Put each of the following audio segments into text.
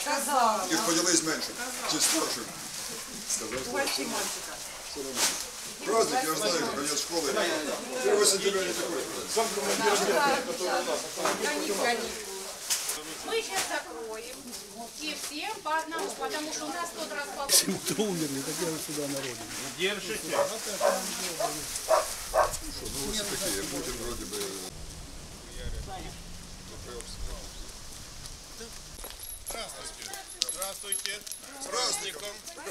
Сказала. Их поделись меньше. Чуть старше. Большие мальчика. Праздник, я знаю, конец школы. 1 сентября не такой. Мы сейчас закроем. И всем по одному, потому что у нас тот раз получится. Кто умерли, так я сюда народу. Держите. Ну, все такие, Путин вроде бы... Здравствуйте. Здравствуйте. С праздником.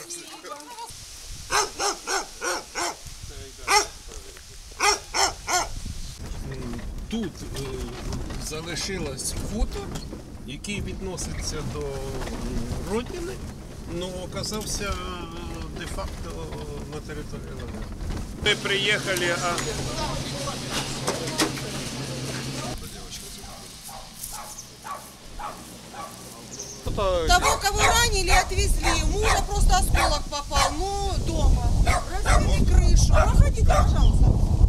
Тут залишилось хутор, який відноситься до родини, але оказався де-факто на території Ленина. Ми приїхали, а... Того, кого ранили, отвезли. Мужа просто осколок попал. Ну, дома. Разбили крышу. Проходите, пожалуйста.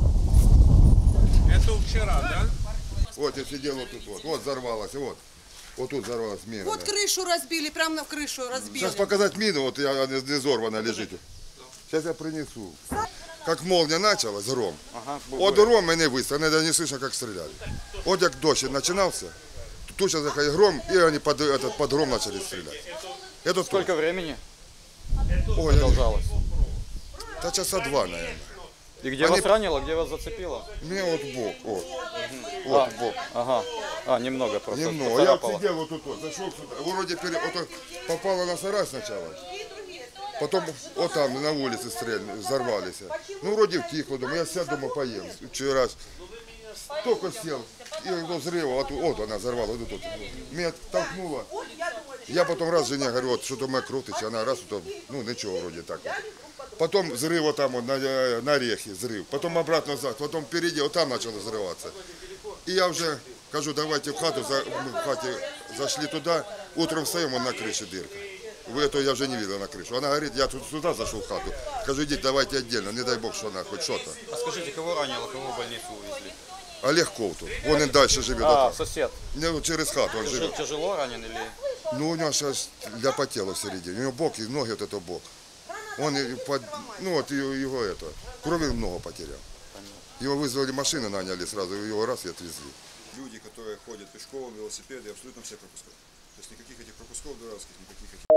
Это вчера, да? Вот я сидел вот тут, вот взорвалась, вот. Вот тут взорвалась мина. Вот крышу разбили, прямо на крышу разбили. Сейчас показать мину, вот она не взорвана лежит. Сейчас я принесу. Как молния началась, гром. От гром мене выстрелили, не слышно, как стреляли. Вот как дождь начинался, тут сейчас такой гром, и они под гром начали стрелять. Это Сколько времени Ой, продолжалось? да часа 2, наверное. И где вас ранило, где вас зацепило? Мне вот в бок, вот. Вот в бок. Ага. А, немного просто. Немного. Я поцарапало. сидел вот тут, вот, зашел сюда. Вроде вот, попало на сарай сначала. Потом вот там на улице стрельнули, взорвались. Ну вроде втихло, думаю, я сяду дома поем. Вчера только сел, и до взрыва, вот она взорвала, вот тут. Меня толкнуло. Я потом раз жене говорю, вот что-то моя кровь течет, она раз, ну ничего вроде так вот. Потом взрыв вот там вот, на орехе, взрыв. Потом обратно назад, потом впереди, вот там начало взрываться. И я уже кажу, давайте в хату, мы в хате зашли туда, утром встаем, он на крыше дырка. Это я уже не видел на крышу. Она говорит, я тут сюда зашел в хату. Скажу, идите, давайте отдельно, не дай бог, что она хоть что-то. А скажите, кого ранило, кого в больницу увезли? Олег Ковтун, он и дальше живет. А, сосед. Ну, через хату он живет. Тяжело ранен или? Ну, у него сейчас ляпа тела в середине. У него бок и ноги, вот это бок. Он, ну вот его это, крови много потерял. Его вызвали машины, наняли сразу, его раз и отвезли. Люди, которые ходят пешком, велосипеды, абсолютно все пропускают. То есть никаких этих пропусков дурацких, никаких этих...